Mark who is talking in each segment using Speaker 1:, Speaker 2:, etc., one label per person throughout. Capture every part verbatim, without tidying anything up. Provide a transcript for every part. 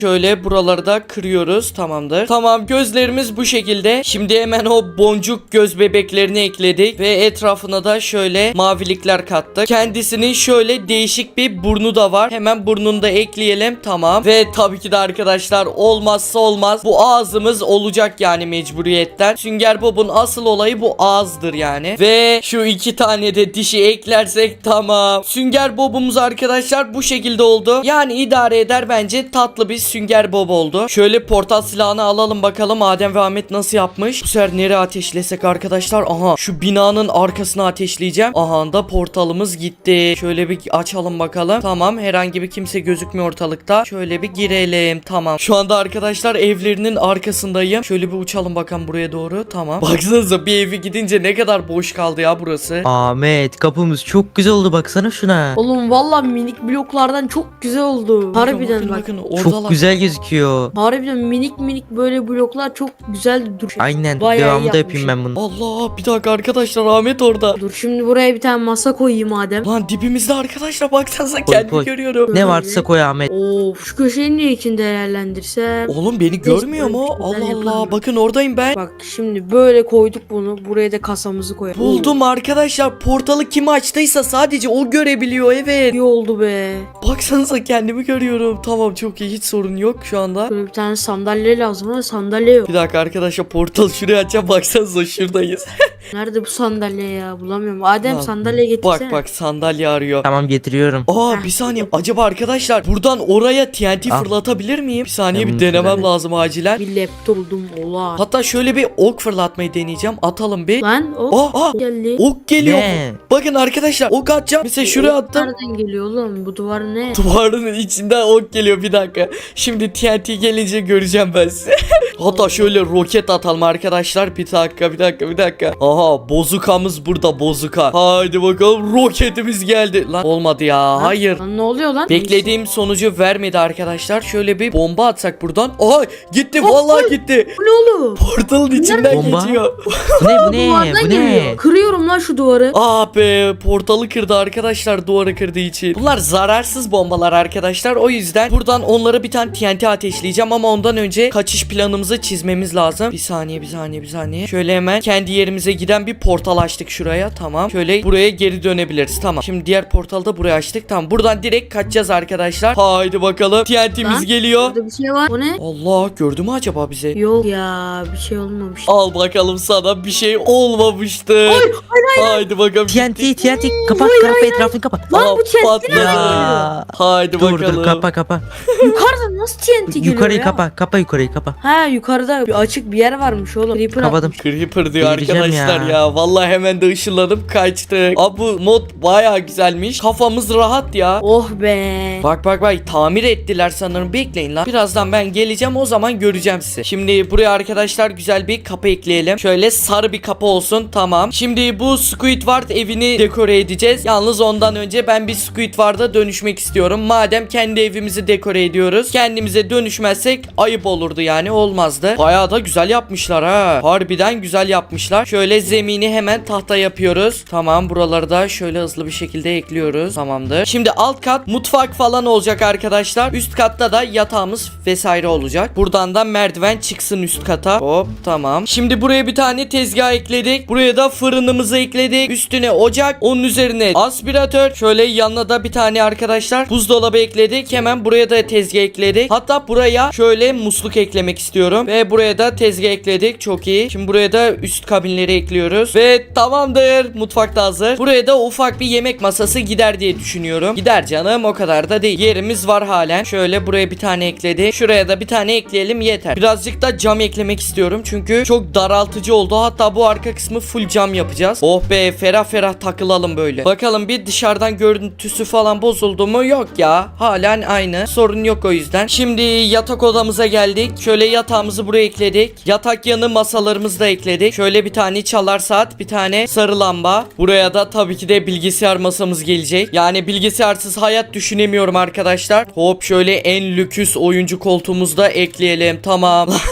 Speaker 1: Şöyle buraları da kırıyoruz. Tamamdır. Tamam, gözlerimiz bu şekilde. Şimdi hemen o boncuk göz bebeklerini ekledik. Ve etrafına da şöyle mavilikler kattık. Kendisinin şöyle değişik bir burnu da var. Hemen burnunu da ekleyelim. Tamam. Ve tabii ki de arkadaşlar olmazsa olmaz bu ağzımız olacak yani mecburiyetten. Sünger Bob'un asıl olayı bu ağızdır yani. Ve şu iki tane de dişi eklersek tamam. Sünger Bob'umuz arkadaşlar bu şekilde oldu. Yani idare eder bence, tatlı bir Sünger Bob oldu. Şöyle portal silahını alalım bakalım Adem ve Ahmet nasıl yapmış. Bu sefer nereye ateşlesek arkadaşlar? Aha, şu binanın arkasına ateşleyeceğim. Aha da portalımız gitti. Şöyle bir açalım bakalım. Tamam, herhangi bir kimse gözükmüyor ortalıkta. Şöyle bir girelim. Tamam. Şu anda arkadaşlar evlerinin arkasındayım. Şöyle bir uçalım bakalım buraya doğru. Tamam. Baksanıza bir evi gidince ne kadar boş kaldı ya burası.
Speaker 2: Ahmet, kapımız çok güzel oldu, baksana şuna.
Speaker 3: Oğlum vallahi minik bloklardan çok güzel oldu. Harbiden
Speaker 1: bakın,
Speaker 3: bak.
Speaker 1: bakın, oradalar.
Speaker 2: Çok güzel gözüküyor.
Speaker 3: Harbiden minik minik böyle bloklar çok güzel duruyor.
Speaker 2: Aynen,
Speaker 3: Bayağı iyi
Speaker 2: devamında
Speaker 3: yapmış.
Speaker 2: yapayım ben bunu.
Speaker 1: Allah, bir dakika arkadaşlar, Ahmet orada.
Speaker 3: Dur şimdi buraya bir tane masa koyayım Adem.
Speaker 1: Lan dibimizde arkadaşlar, baksanıza
Speaker 2: Koy,
Speaker 1: kendimi
Speaker 2: koy.
Speaker 1: görüyorum.
Speaker 2: Ne varsa koy Ahmet.
Speaker 3: Of, şu köşeyi niye için değerlendirsem?
Speaker 1: Oğlum beni görmüyor mu?
Speaker 3: böyle bir
Speaker 1: Allah
Speaker 3: şeyler
Speaker 1: Allah,
Speaker 3: yapalım.
Speaker 1: bakın oradayım ben.
Speaker 3: Bak şimdi böyle koyduk bunu. Buraya da kasamızı koyalım.
Speaker 1: Buldum arkadaşlar, portalı kim açtıysa sadece o görebiliyor, evet.
Speaker 3: İyi oldu be.
Speaker 1: Baksanıza kendimi görüyorum. Tamam, çok iyi, hiç sorun yok şu anda.
Speaker 3: Böyle bir tane sandalye lazım ama sandalye yok.
Speaker 1: Bir dakika arkadaşlar, portal şuraya açacağım, baksanıza şuradayız.
Speaker 3: Nerede bu sandalye ya? Bulamıyorum. Adem
Speaker 1: Lan,
Speaker 3: sandalye getirsene.
Speaker 1: Bak bak, sandalye arıyor.
Speaker 2: Tamam, getiriyorum.
Speaker 1: Aa,
Speaker 3: Heh.
Speaker 1: bir saniye, acaba arkadaşlar buradan oraya T N T
Speaker 2: Ah.
Speaker 1: fırlatabilir miyim? Bir saniye,
Speaker 2: Ben
Speaker 1: bir
Speaker 2: bunu
Speaker 1: denemem
Speaker 2: şöyle-
Speaker 1: lazım acilen.
Speaker 3: Bir laptop buldum ola.
Speaker 1: Hatta şöyle bir ok fırlatmayı deneyeceğim. Atalım bir.
Speaker 3: Lan o
Speaker 1: Aa, aa,
Speaker 3: geldi.
Speaker 1: ok geliyor.
Speaker 2: Ne?
Speaker 1: Bakın arkadaşlar, ok atacağım. Mesela şuraya attım.
Speaker 3: Nereden geliyor oğlum? Bu duvar ne?
Speaker 1: Duvarın içinden ok geliyor, bir dakika. Şimdi T N T gelince göreceğim ben sizi. Hatta şöyle roket atalım arkadaşlar. Bir dakika bir dakika bir dakika. Aha, bozukamız burada, bozuka. Haydi bakalım, roketimiz geldi. Lan olmadı ya,
Speaker 3: Lan,
Speaker 1: hayır.
Speaker 3: Lan ne oluyor lan?
Speaker 1: Beklediğim sonucu vermedi arkadaşlar. Şöyle bir bomba atsak buradan. Aha, gitti,
Speaker 3: Oh,
Speaker 1: vallahi
Speaker 3: oh.
Speaker 1: gitti.
Speaker 3: Bu ne oğlum?
Speaker 1: Portalın içinden
Speaker 2: Bomba?
Speaker 1: geçiyor.
Speaker 2: Bu ne, bu ne,
Speaker 3: Duvardan
Speaker 2: bu ne?
Speaker 3: geliyor. Kırıyorum lan şu duvarı.
Speaker 1: Ah be, portalı kırdı arkadaşlar, duvarı kırdığı için. Bunlar zararsız bombalar arkadaşlar. O yüzden buradan onlara bir tane T N T ateşleyeceğim ama ondan önce kaçış planımızı çizmemiz lazım. Bir saniye bir saniye bir saniye. Şöyle hemen kendi yerimize giden bir portal açtık şuraya. Tamam. Şöyle buraya geri dönebiliriz. Tamam. Şimdi diğer portalı da buraya açtık. Tamam. Buradan direkt kaçacağız arkadaşlar. Haydi bakalım. T N T'miz
Speaker 3: Lan,
Speaker 1: geliyor.
Speaker 3: Burada bir şey var. O ne?
Speaker 1: Allah, gördü mü acaba bizi?
Speaker 3: Yok ya, bir şey olmamış.
Speaker 1: Al bakalım, sana bir şey olmamıştı. Haydi bakalım.
Speaker 2: T N T, T N T, kapat, kapa, etrafını kapat.
Speaker 3: Lan
Speaker 1: Aa,
Speaker 3: bu T N T
Speaker 1: patladı.
Speaker 3: nereden geliyor?
Speaker 2: Ya.
Speaker 1: Haydi
Speaker 2: Dur
Speaker 1: bakalım.
Speaker 2: dur, kapa kapa.
Speaker 3: Yukarıda nasıl T N T geliyor
Speaker 2: Yukarıyı
Speaker 3: ya?
Speaker 2: kapa, kapa yukarıyı kapa.
Speaker 3: Ha, yukarıda bir açık bir yer varmış oğlum. Creeper
Speaker 2: Kapadım.
Speaker 3: atmış.
Speaker 1: Creeper diyor
Speaker 2: Delireceğim
Speaker 1: arkadaşlar ya.
Speaker 2: ya.
Speaker 1: Vallahi hemen de ışınlanıp kaçtık. Abi bu mod baya güzelmiş. Kafamız rahat ya.
Speaker 3: Oh be.
Speaker 1: Bak bak bak, tamir ettiler sanırım. Bekleyin lan. Birazdan ben geleceğim, o zaman göreceğim sizi. Şimdi buraya arkadaşlar güzel bir kapı ekleyelim. Şöyle sarı bir kapı olsun. Tamam. Şimdi bu Squidward evini dekore edeceğiz. Yalnız ondan önce ben bir Squidward'a dönüşmek istiyorum. Madem kendi evimizi dekore ediyoruz, kendimize dönüşmezsek ayıp olurdu yani, olmazdı. Bayağı da güzel yapmışlar ha. Harbiden güzel yapmışlar. Şöyle zemini hemen tahta yapıyoruz. Tamam, buraları da şöyle hızlı bir şekilde ekliyoruz. Tamamdır. Şimdi alt kat mutfak falan olacak arkadaşlar. Üst katta da yatağımız vesaire olacak. Buradan da merdiven çıksın üst kata. Hop, tamam. Şimdi buraya bir tane tezgah ekledik. Buraya da fırınımızı ekledik. Üstüne ocak. Onun üzerine aspiratör. Şöyle yanına da bir tane arkadaşlar buzdolabı ekledik. Hemen buraya da tezgah ekledik. Hatta buraya şöyle musluk eklemek istiyorum. Ve buraya da tezgah ekledik. Çok iyi. Şimdi buraya da üst kabinleri ekliyoruz. Ve tamamdır. Mutfak da hazır. Buraya da ufak bir yemek masası gider diye düşünüyorum. Gider canım, o kadar da değil. Yerimiz var halen. Şöyle buraya bir tane ekledik. Şuraya da bir tane ekleyelim, yeter. Birazcık da cam eklemek istiyorum. Çünkü çok daraltıcı oldu. Hatta bu arka kısmı full cam yapacağız. Oh be, ferah ferah takılalım böyle. Bakalım bir dışarıdan görüntüsü falan bozuldu mu? Yok ya. Halen aynı. Sorun yok o yüzden. Şimdi yatak odamıza geldik. Şöyle yatağımızı buraya ekledik. Yatak yanı masalarımızı da ekledik. Şöyle bir tane çalar saat, bir tane sarı lamba. Buraya da tabii ki de bilgisayar masamız gelecek. Yani bilgisayarsız hayat düşünemiyorum arkadaşlar. Hop, şöyle en lüküs oyuncu koltuğumuzu da ekleyelim. Tamam.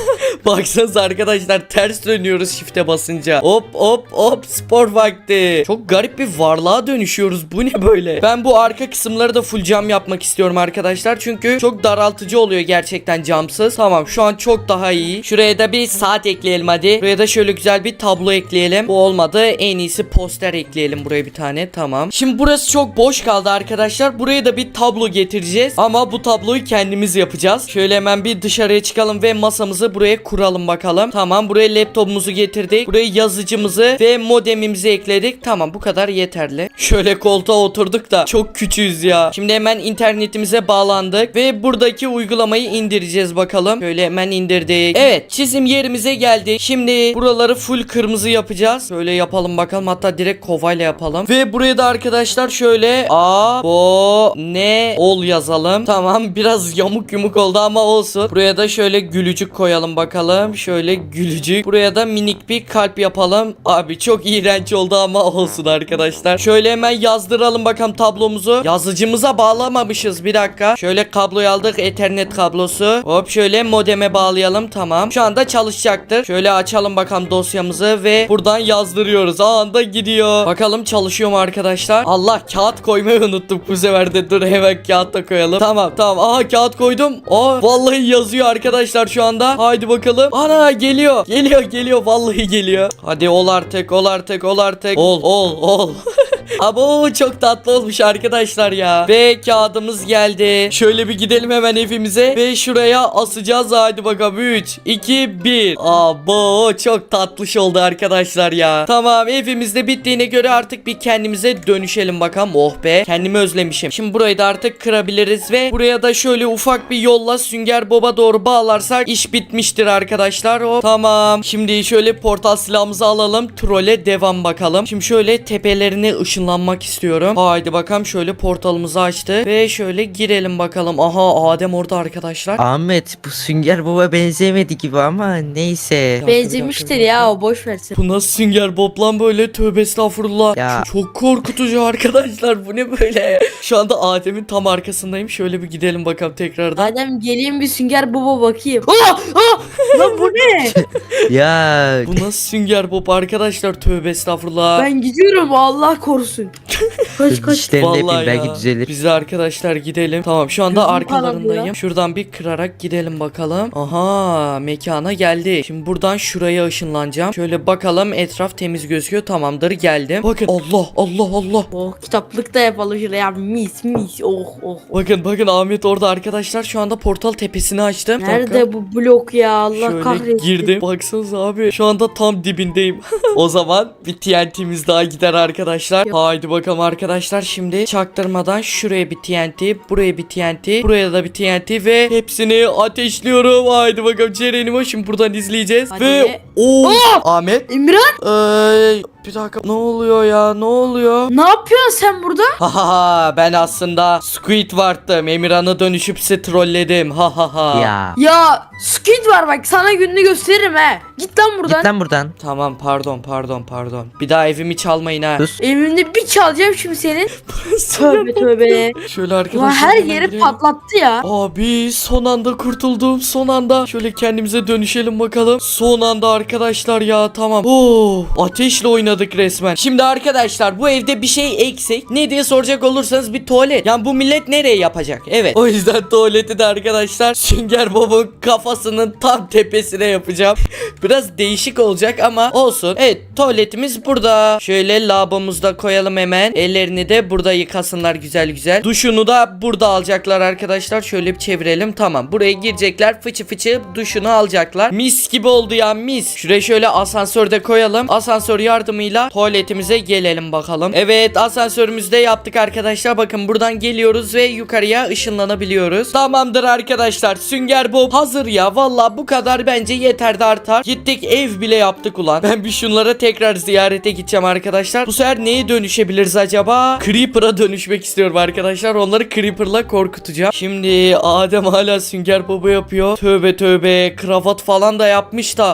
Speaker 1: Baksanıza arkadaşlar ters dönüyoruz shift'e basınca. Hop hop hop spor vakti. Çok garip bir varlığa dönüşüyoruz. Bu ne böyle? Ben bu arka kısımları da full cam yapmak istiyorum arkadaşlar. Çünkü çok daraltıcı oluyor gerçekten camsız. Tamam şu an çok daha iyi. Şuraya da bir saat ekleyelim hadi. Buraya da şöyle güzel bir tablo ekleyelim. Bu olmadı. En iyisi poster ekleyelim buraya bir tane. Tamam. Şimdi burası çok boş kaldı arkadaşlar. Buraya da bir tablo getireceğiz. Ama bu tabloyu kendimiz yapacağız. Şöyle hemen bir dışarıya çıkalım ve masamızı buraya kuralım bakalım. Tamam buraya laptopumuzu getirdik. Buraya yazıcımızı ve modemimizi ekledik. Tamam bu kadar yeterli. Şöyle koltuğa oturduk da çok küçüğüz ya. Şimdi hemen internetimize bağlandık ve buradaki uygulamayı indireceğiz bakalım. Şöyle hemen indirdik. Evet çizim yerimize geldik. Şimdi buraları full kırmızı yapacağız. Şöyle yapalım bakalım. Hatta direkt kovayla yapalım. Ve buraya da arkadaşlar şöyle A bo ne ol yazalım. Tamam biraz yamuk yumuk oldu ama olsun. Buraya da şöyle gülücük koyalım bakalım. Şöyle gülücük. Buraya da minik bir kalp yapalım. Abi çok iğrenç oldu ama olsun arkadaşlar. Şöyle hemen yazdıralım bakalım tablomuzu. Yazıcımıza bağlamamışız. Bir dakika. Şöyle kabloyu aldık. Ethernet kablosu. Hop şöyle modeme bağlayalım. Tamam. Şu anda çalışacaktır. Şöyle açalım bakalım dosyamızı ve buradan yazdırıyoruz. Anında gidiyor. Bakalım çalışıyor mu arkadaşlar? Allah kağıt koymayı unuttuk bu sefer de. Dur hemen kağıt da koyalım. Tamam tamam. Aha kağıt koydum. Aa vallahi yazıyor arkadaşlar şu anda. Haydi bakalım. Ana geliyor. Geliyor geliyor. Vallahi geliyor. Hadi ol artık ol artık ol artık. Ol ol ol. Abo çok tatlı olmuş arkadaşlar ya. Ve kağıdımız geldi. Şöyle bir gidelim hemen evimize. Ve şuraya asacağız. Hadi bakalım. üç, iki, bir. Abo çok tatlış oldu arkadaşlar ya. Tamam evimizde bittiğine göre artık bir kendimize dönüşelim bakalım. Oh be. Kendimi özlemişim. Şimdi burayı da artık kırabiliriz. Ve buraya da şöyle ufak bir yolla Sünger Bob'a doğru bağlarsak iş bitmiştir arkadaşlar. Hop. Tamam. Şimdi şöyle portal silahımızı alalım. Trole devam bakalım. Şimdi şöyle tepelerine ışınlanmak istiyorum. Haydi bakalım şöyle portalımızı açtık. Ve şöyle girelim bakalım. Aha Adem orada arkadaşlar.
Speaker 2: Ahmet bu Sünger Bob'a benzemedi gibi ama neyse.
Speaker 3: Benzemiştir ya o boş versin.
Speaker 1: Bu nasıl Sünger Bob lan böyle? Tövbe estağfurullah.
Speaker 2: Ya.
Speaker 1: Çok, çok korkutucu arkadaşlar. Bu ne böyle? Şu anda Adem'in tam arkasındayım. Şöyle bir gidelim bakalım tekrardan.
Speaker 3: Adem geleyim bir Sünger Bob'a bakayım. Aa, aa, lan bu ne?
Speaker 2: Ya
Speaker 1: Bu nasıl Sünger Bob arkadaşlar? Tövbe estağfurullah.
Speaker 3: Ben gidiyorum Allah korusun. Kaç kaç.
Speaker 2: dişlerini
Speaker 1: Vallahi
Speaker 2: yapayım belki
Speaker 1: ya.
Speaker 2: düzelir.
Speaker 1: Biz de arkadaşlar gidelim. Tamam şu anda
Speaker 3: Gözüm
Speaker 1: arkalarındayım.
Speaker 3: parlıyor.
Speaker 1: Şuradan bir kırarak gidelim bakalım. Aha mekana geldi. Şimdi buradan şuraya ışınlanacağım. Şöyle bakalım etraf temiz gözüküyor. Tamamdır geldim. Bakın Allah Allah Allah.
Speaker 3: Oh kitaplık da yapalım şuraya mis mis oh oh.
Speaker 1: Bakın bakın Ahmet orada arkadaşlar. Şu anda portal tepesini açtım. Bir dakika.
Speaker 3: Nerede bu blok ya Allah
Speaker 1: Şöyle
Speaker 3: kahretsin.
Speaker 1: girdim. Baksanıza abi. Şu anda tam dibindeyim. O zaman bir T N T'miz daha gider arkadaşlar.
Speaker 3: Yok.
Speaker 1: Haydi bakalım arkadaşlar. Şimdi çaktırmadan şuraya bir T N T. Buraya bir T N T. Buraya da bir T N T ve hepsini ateşliyorum. Haydi bakalım Ceren'imi şimdi buradan izleyeceğiz.
Speaker 3: Hadi.
Speaker 1: Ve o Ahmet.
Speaker 3: İmran
Speaker 1: Ee, bir dakika. Ne oluyor ya? Ne oluyor?
Speaker 3: ne yapıyorsun sen burada?
Speaker 1: Ha ha ha. Ben aslında Squidward'dım. Emirhan'a dönüşüp sizi trolledim. Ha ha ha.
Speaker 2: Ya.
Speaker 3: Ya Squid var bak sana gününü gösteririm he. Git lan buradan.
Speaker 2: Git lan buradan.
Speaker 1: Tamam pardon pardon pardon. Bir daha evimi çalmayın ha.
Speaker 2: Sus.
Speaker 3: Evimde bir çalacağım şimdi senin. Tövbe tövbe.
Speaker 1: Şöyle arkadaşlar.
Speaker 3: Ulan her
Speaker 1: hemen
Speaker 3: yeri
Speaker 1: girelim.
Speaker 3: patlattı ya.
Speaker 1: Abi son anda kurtuldum son anda. Şöyle kendimize dönüşelim bakalım. Son anda arkadaşlar ya tamam. Oo, ateşle oynadık resmen. Şimdi arkadaşlar bu evde bir şey eksik. Ne diye soracak olursanız bir tuvalet. Yani bu millet nereye yapacak? Evet. O yüzden tuvaleti de arkadaşlar Sünger Bob'un kafasının tam tepesine yapacağım. Biraz değişik olacak ama olsun. Evet tuvaletimiz burada. Şöyle lavabomuzu da koyalım hemen. Ellerini de burada yıkasınlar güzel güzel. Duşunu da burada alacaklar arkadaşlar. Şöyle bir çevirelim. Tamam. Buraya girecekler. Fıçı fıçı duşunu alacaklar. Mis gibi oldu ya mis. Şuraya şöyle asansörde koyalım. Asansör yardımıyla tuvaletimize gelelim bakalım. Evet asansörümüzde yaptık arkadaşlar. Bakın buradan geliyoruz ve yukarıya ışınlanabiliyoruz. Tamamdır arkadaşlar. Sünger Bob hazır ya. Valla bu kadar bence yeter de artar. Gittik ev bile yaptık ulan. Ben bir şunlara tekrar ziyarete gideceğim arkadaşlar. Bu sefer neye dönüşebiliriz acaba? Creeper'a dönüşmek istiyorum arkadaşlar. Onları Creeper'la korkutacağım. Şimdi Adem hala Sünger Bob'u yapıyor. Tövbe tövbe. Kravat falan da yapmış da aşırı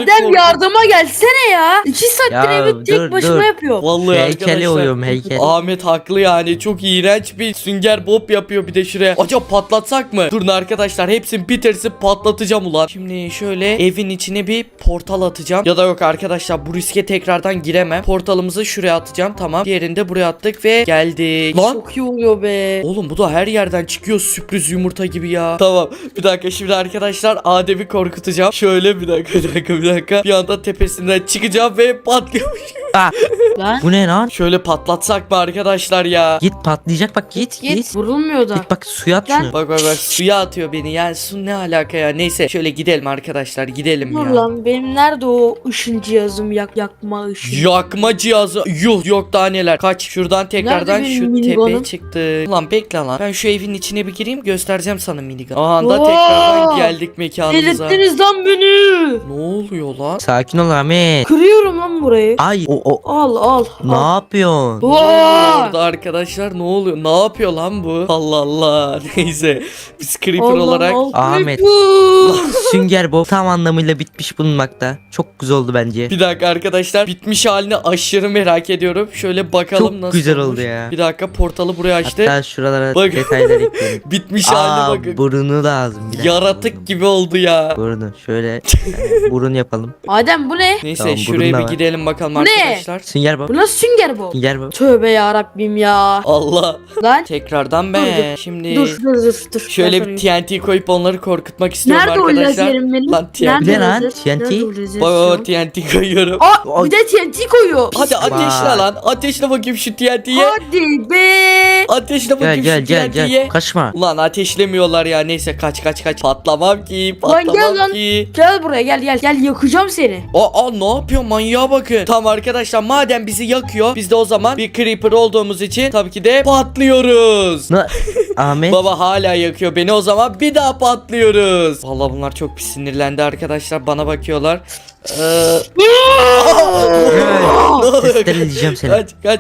Speaker 3: Adem
Speaker 1: korkunç.
Speaker 3: yardıma gelsene ya. İki saattir
Speaker 2: Ya,
Speaker 3: evi tek
Speaker 2: dur,
Speaker 3: başıma
Speaker 2: dur.
Speaker 3: yapıyor.
Speaker 1: Vallahi
Speaker 2: Heykeli
Speaker 1: arkadaşlar.
Speaker 2: oyuyorum heykel.
Speaker 1: Ahmet haklı yani. Çok iğrenç bir sünger bob yapıyor bir de şuraya. Acaba patlatsak mı? Durun arkadaşlar, hepsini bitirsin patlatacağım ulan. Şimdi şöyle evin içine bir portal atacağım. Ya da yok arkadaşlar, bu riske tekrardan giremem. Portalımızı şuraya atacağım. Tamam. Diğerini de buraya attık ve geldik. Lan.
Speaker 3: Çok iyi oluyor be.
Speaker 1: Oğlum bu da her yerden çıkıyor, sürpriz yumurta gibi ya. Tamam, bir dakika, şimdi arkadaşlar Adem'i korkutacağım. Şöyle bir dakika bir dakika bir dakika. Bir anda tepesinden çıkacağım ve patlıyormuş.
Speaker 2: Ah,
Speaker 3: Lan
Speaker 2: bu ne lan?
Speaker 1: Şöyle patlatsak mı arkadaşlar ya?
Speaker 2: Git patlayacak bak git git.
Speaker 3: git vurulmuyor da.
Speaker 2: Git bak suya at
Speaker 3: Lan.
Speaker 2: şunu.
Speaker 1: Bak bak bak, suya atıyor beni. Yani su ne alaka ya? Neyse, şöyle gidelim arkadaşlar, gidelim
Speaker 3: Dur
Speaker 1: ya.
Speaker 3: lan benim nerede o ışın cihazım yak yakma ışın.
Speaker 1: Yakma cihazı. Yuh, yok daha neler. Kaç, şuradan tekrardan
Speaker 3: benim
Speaker 1: şu
Speaker 3: minigunum?
Speaker 1: tepeye çıktı. Ulan bekle lan. Ben şu evin içine bir gireyim, göstereceğim sana minigun. Aha da
Speaker 3: Oo!
Speaker 1: tekrardan geldik mekanımıza.
Speaker 3: Delirttiniz lan beni.
Speaker 1: Ne oluyor lan?
Speaker 2: Sakin ol Ahmet.
Speaker 3: Kırıyorum lan burayı.
Speaker 2: Ay o o.
Speaker 3: Al al.
Speaker 2: Ne
Speaker 3: al.
Speaker 2: yapıyorsun?
Speaker 1: Ne oluyor
Speaker 3: Oo!
Speaker 1: orada arkadaşlar, ne oluyor? Ne yapıyor lan bu? Allah Allah. Neyse. Biz creeper
Speaker 3: Allah
Speaker 1: olarak
Speaker 3: Allah.
Speaker 2: Ahmet.
Speaker 3: Creeper.
Speaker 2: Sünger Bob tam anlamıyla bitmiş bulunmakta. Çok güzel oldu bence.
Speaker 1: bir dakika arkadaşlar, bitmiş halini aşırı merak ediyorum. Şöyle bakalım
Speaker 2: Çok
Speaker 1: nasıl
Speaker 2: güzel
Speaker 1: olmuş.
Speaker 2: oldu ya.
Speaker 1: Bir dakika, portalı buraya açtı.
Speaker 2: Hatta şuralara
Speaker 1: Bak.
Speaker 2: detaylar ekleyelim.
Speaker 1: Bitmiş haline
Speaker 2: Aa,
Speaker 1: bakın.
Speaker 2: burunu lazım. Bir dakika.
Speaker 1: Yaratık gibi oldu ya.
Speaker 2: Burunu şöyle yani burun yapalım.
Speaker 3: Adem bu ne?
Speaker 1: Neyse,
Speaker 2: Tamam,
Speaker 1: şuraya
Speaker 2: burun da
Speaker 1: bir
Speaker 2: var.
Speaker 1: gidelim bakalım
Speaker 3: Bu ne?
Speaker 1: arkadaşlar.
Speaker 2: Sünger Bob.
Speaker 3: Bu nasıl sünger bu?
Speaker 2: Sünger Bob.
Speaker 3: Tövbe ya Rabbim ya.
Speaker 1: Allah.
Speaker 3: Lan.
Speaker 1: Tekrardan
Speaker 3: Dur,
Speaker 1: ben.
Speaker 3: dur.
Speaker 1: Şimdi
Speaker 3: Dur dur dur dur.
Speaker 1: şöyle
Speaker 3: Ben
Speaker 1: bir
Speaker 3: sorayım.
Speaker 1: T N T koyup onları korkutmak istiyorum
Speaker 3: Nerede o
Speaker 1: arkadaşlar.
Speaker 3: lazerim benim?
Speaker 1: Lan T N T.
Speaker 3: Nerede
Speaker 2: Ne lan?
Speaker 3: lazer?
Speaker 2: T N T?
Speaker 3: Nerede o lazer
Speaker 1: Bak
Speaker 3: şu
Speaker 1: o
Speaker 3: an?
Speaker 1: T N T koyuyorum.
Speaker 3: Aa bir de T N T koyuyor.
Speaker 1: Hadi ateşle
Speaker 2: Vay.
Speaker 1: lan. Ateşle bakayım şu T N T'ye.
Speaker 3: Hadi be.
Speaker 1: Ateşle
Speaker 2: Gel
Speaker 1: bakayım
Speaker 2: gel
Speaker 1: şu
Speaker 2: gel
Speaker 1: T N T'ye.
Speaker 2: gel. Kaçma.
Speaker 1: Ulan ateşlemiyorlar ya. Neyse, kaç kaç kaç. Patlamam ki.
Speaker 3: Lan
Speaker 1: Patlamam
Speaker 3: gel lan.
Speaker 1: ki.
Speaker 3: Gel buraya gel gel gel yakacağım seni.
Speaker 1: Aa, aa, ne yapıyor, manyağa bakın. Tamam arkadaşlar, madem bizi yakıyor, biz de o zaman bir creeper olduğumuz için tabii ki de patlıyoruz.
Speaker 2: Na Ahmet.
Speaker 1: Baba hala yakıyor beni, o zaman bir daha patlıyoruz. Vallahi bunlar çok bir sinirlendi arkadaşlar, bana bakıyorlar. Ee,
Speaker 2: Evet, Testler edeceğim seni.
Speaker 1: kaç kaç.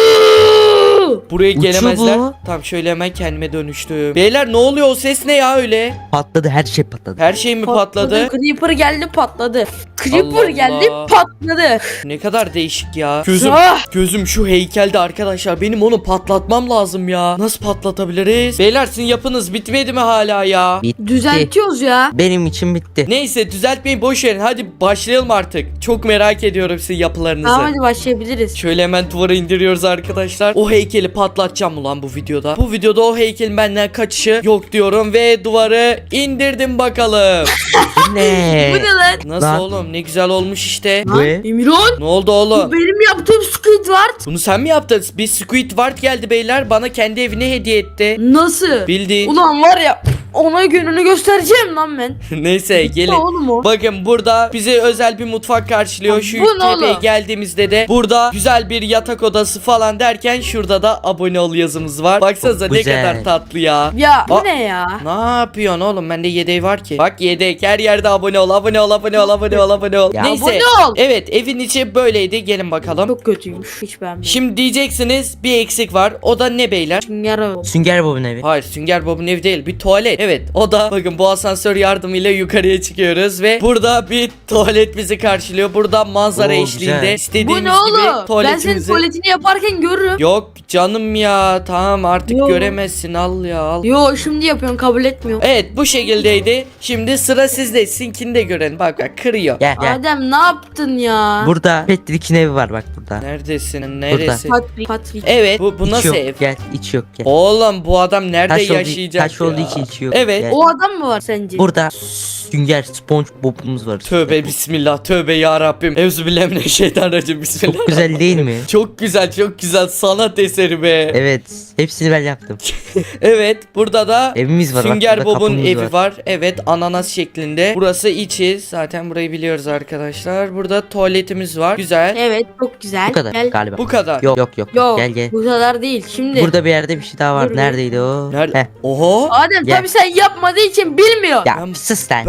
Speaker 1: Buraya
Speaker 2: Uçuyor
Speaker 1: gelemezler.
Speaker 2: bu.
Speaker 1: Tamam, şöyle hemen kendime dönüştüm. Beyler ne oluyor, o ses ne ya öyle?
Speaker 2: Patladı her şey patladı.
Speaker 1: Her şey mi patladı?
Speaker 3: Creeper geldi patladı. Creeper
Speaker 1: Allah
Speaker 3: geldi
Speaker 1: Allah.
Speaker 3: patladı.
Speaker 1: Ne kadar değişik ya. Gözüm
Speaker 3: Ah!
Speaker 1: gözüm şu heykelde arkadaşlar. Benim onu patlatmam lazım ya. Nasıl patlatabiliriz? Beyler sizin yapınız bitmedi mi hala ya?
Speaker 2: Bitti.
Speaker 3: Düzeltiyoruz ya.
Speaker 2: Benim için bitti.
Speaker 1: Neyse, düzeltmeyin, boş verin. Hadi başlayalım artık. Çok merak ediyorum sizin yapılarınızı.
Speaker 3: Tamam hadi başlayabiliriz.
Speaker 1: Şöyle hemen duvara indiriyoruz arkadaşlar. O heykeli patlatacağım ulan bu videoda. Bu videoda o heykelin benden kaçışı yok diyorum ve duvarı indirdim bakalım.
Speaker 2: Bu ne?
Speaker 3: Bu ne lan?
Speaker 1: Nasıl
Speaker 2: Lan.
Speaker 1: oğlum? Ne güzel olmuş işte.
Speaker 2: Bu ne?
Speaker 3: Emirhan.
Speaker 1: Ne oldu
Speaker 3: Bu
Speaker 1: oğlum?
Speaker 3: benim yaptığım Squidward.
Speaker 1: Bunu sen mi yaptın? Bir Squidward geldi beyler. Bana kendi evine hediye etti.
Speaker 3: Nasıl?
Speaker 1: Bildiğin.
Speaker 3: Ulan var ya ona gününü göstereceğim lan ben.
Speaker 1: Neyse, gelin.
Speaker 3: Oğlum o.
Speaker 1: Bakın burada bize özel bir mutfak karşılıyor. Şu
Speaker 3: Bu ne
Speaker 1: tepeye
Speaker 3: oğlum?
Speaker 1: geldiğimizde de burada güzel bir yatak odası falan derken şurada da abone ol yazımız var. Baksanıza
Speaker 2: Çok
Speaker 1: ne
Speaker 2: güzel.
Speaker 1: kadar tatlı ya.
Speaker 3: Ya bu
Speaker 1: Aa.
Speaker 3: ne ya?
Speaker 1: Ne yapıyorsun oğlum? Bende yedek var ki. Bak, yedek her yerde abone ol, abone ol, abone ol, abone ol, abone ol.
Speaker 2: Ya
Speaker 1: Neyse.
Speaker 3: abone ol.
Speaker 1: Evet, evin içi böyleydi. Gelin bakalım.
Speaker 3: Çok kötüymüş. Hiç beğenmedim.
Speaker 1: Şimdi diyeceksiniz bir eksik var. O da ne beyler?
Speaker 3: Sünger o.
Speaker 2: Sünger Bob'un evi.
Speaker 1: Hayır, Sünger Bob'un evi değil, bir tuvalet. Evet, o da bakın bu asansör yardımıyla yukarıya çıkıyoruz ve burada bir tuvalet bizi karşılıyor. Burada manzara
Speaker 2: Oo,
Speaker 1: eşliğinde
Speaker 2: güzel.
Speaker 1: istediğimiz
Speaker 3: Bu ne
Speaker 1: gibi
Speaker 3: oğlum? Ben senin
Speaker 1: tuvaletimizi.
Speaker 3: tuvaletini yaparken görürüm.
Speaker 1: Yok canım ya, tamam artık
Speaker 3: Yo.
Speaker 1: göremezsin, al ya al.
Speaker 3: Yo şimdi yapıyorsun kabul etmiyorum.
Speaker 1: Evet, bu şekildeydi. Şimdi sıra sizde. Sinkini de görelim. Bak bak, kırıyor.
Speaker 2: Gel gel.
Speaker 3: Adem ne yaptın ya?
Speaker 2: Burada Patrick'in evi var bak burada.
Speaker 1: Neredesin? Neresi?
Speaker 3: Patrick, Patrick.
Speaker 1: Evet, bu, bu
Speaker 2: İç
Speaker 1: nasıl
Speaker 2: yok,
Speaker 1: ev?
Speaker 2: Gel iç yok gel.
Speaker 1: Oğlum bu adam nerede
Speaker 2: Taş olduğu-
Speaker 1: yaşayacak
Speaker 2: taş
Speaker 1: ya?
Speaker 2: olduğu için içi yok.
Speaker 1: Evet.
Speaker 2: Gel.
Speaker 3: O adam mı var sence?
Speaker 2: Burada Sünger SpongeBob'umuz var.
Speaker 1: Tövbe bismillah, tövbe ya Rabbim. Euzubillahimineşşeytanirracim, bismillah.
Speaker 2: Çok güzel değil mi?
Speaker 1: Çok güzel, çok güzel, sanat eseri be.
Speaker 2: Evet. Hepsini ben yaptım.
Speaker 1: Evet, burada da
Speaker 2: Evimiz var. bak,
Speaker 1: Sünger
Speaker 2: burada
Speaker 1: Bob'un
Speaker 2: kapımız
Speaker 1: evi var. Evet, ananas şeklinde. Burası içi. Zaten burayı biliyoruz arkadaşlar. Burada tuvaletimiz var. Güzel.
Speaker 3: Evet çok güzel.
Speaker 2: Bu kadar
Speaker 3: Gel.
Speaker 2: galiba.
Speaker 1: Bu kadar.
Speaker 2: Yok yok yok.
Speaker 3: Yok
Speaker 2: Gel gel.
Speaker 3: bu kadar değil. Şimdi.
Speaker 2: Burada bir yerde bir şey daha var.
Speaker 3: Dur, dur.
Speaker 2: Neredeydi o?
Speaker 1: Nerede?
Speaker 2: Heh.
Speaker 1: Oho.
Speaker 3: Adem
Speaker 2: Gel.
Speaker 3: tabii sen yapmadığı için bilmiyor.
Speaker 2: Ya
Speaker 1: Ben-
Speaker 2: sus lan.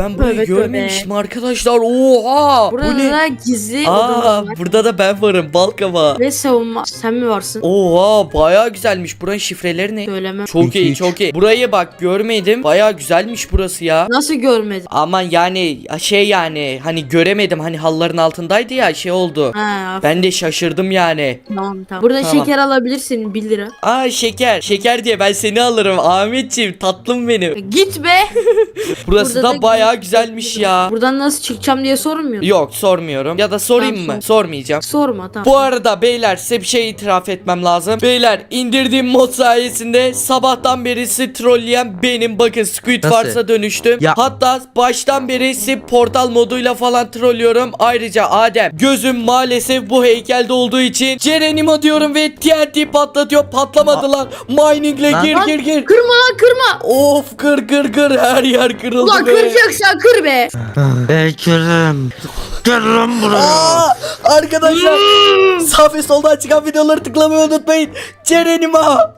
Speaker 1: ben burayı
Speaker 3: Tövbe,
Speaker 1: görmemişim arkadaşlar. Oha.
Speaker 3: Burada
Speaker 1: Bu ne?
Speaker 3: da gizli
Speaker 1: Aa,
Speaker 3: odalar var.
Speaker 1: burada da ben varım. Balkaba.
Speaker 3: Ve savunma. Sen mi varsın?
Speaker 1: Oha, bayağı güzelmiş. Buranın şifreleri ne?
Speaker 3: Söylemem.
Speaker 1: Çok
Speaker 2: İki,
Speaker 1: iyi,
Speaker 2: üç.
Speaker 1: çok iyi. Burayı bak görmedim. Bayağı güzelmiş burası ya.
Speaker 3: Nasıl görmedin?
Speaker 1: Aman yani şey yani hani göremedim, hani halların altındaydı ya, şey oldu.
Speaker 3: Ha,
Speaker 1: Ben de şaşırdım yani.
Speaker 3: tamam tamam. Burada
Speaker 1: Tamam.
Speaker 3: şeker alabilirsin bir lira.
Speaker 1: Aa, şeker. Şeker diye ben seni alırım Ahmetciğim, tatlım benim.
Speaker 3: Git be.
Speaker 1: Burası
Speaker 3: Burada
Speaker 1: da
Speaker 3: da
Speaker 1: bayağı
Speaker 3: gizli
Speaker 1: güzelmiş
Speaker 3: odalar.
Speaker 1: ya.
Speaker 3: Buradan nasıl çıkacağım diye sormuyor.
Speaker 1: Yok, sormuyorum. Ya da sorayım
Speaker 3: Tamam,
Speaker 1: mı?
Speaker 3: sor.
Speaker 1: Sormayacağım.
Speaker 3: Sorma tamam.
Speaker 1: Bu arada beyler, size bir şey itiraf etmem lazım. Beyler, indirdiğim mod sayesinde sabahtan beri sizi trolleyen benim. Bakın, Squid
Speaker 2: Nasıl?
Speaker 1: Wars'a dönüştüm.
Speaker 2: Ya-
Speaker 1: Hatta baştan beri sizi portal moduyla falan trollüyorum. Ayrıca Adem, gözüm maalesef bu heykelde olduğu için Cerenimo diyorum ve T N T patlatıyor. Patlamadı lan. Miningle
Speaker 2: Lan-
Speaker 1: gir
Speaker 3: Lan,
Speaker 1: gir gir.
Speaker 3: Kırma lan kırma.
Speaker 1: Of, kır kır kır, her yer kırıldı
Speaker 3: Ulan
Speaker 1: be.
Speaker 3: kıracaksan kır be.
Speaker 2: Ben kırım. Kırım buraya.
Speaker 1: Aa, arkadaşlar sağ ve soldan çıkan videoları tıklamayı unutmayın. Cerenimo.